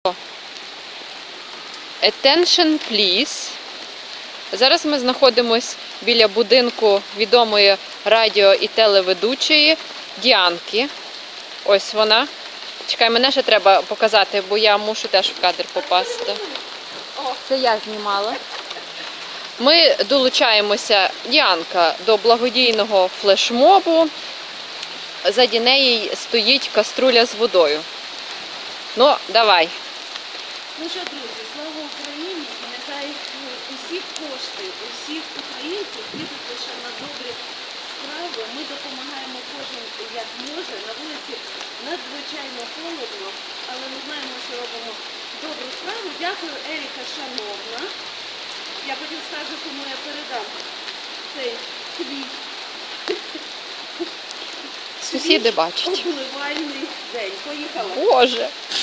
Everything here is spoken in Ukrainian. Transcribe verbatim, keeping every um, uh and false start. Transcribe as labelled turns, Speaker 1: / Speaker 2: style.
Speaker 1: Attention, please. Зараз ми знаходимося біля будинку відомої радіо і телеведучої Діанки. Ось вона. Чекай, мене ще треба показати, бо я мушу теж в кадр попасти. Це я знімала. Ми долучаємося, Діанка, до благодійного флешмобу. Заді неї стоїть каструля з водою. Ну, давай.
Speaker 2: Ну що, друзі, слава Україні, і нехай усі кошти, усіх українців підуть лише на добрі справи. Ми допомагаємо кожен як може. На вулиці надзвичайно холодно, але ми знаємо, що робимо добру справу. Дякую, Еріка, шановна. Я потім скажу, кому я передам цей свій
Speaker 1: Сусіди бачать.
Speaker 2: обливальний день. Поїхали.
Speaker 1: Боже!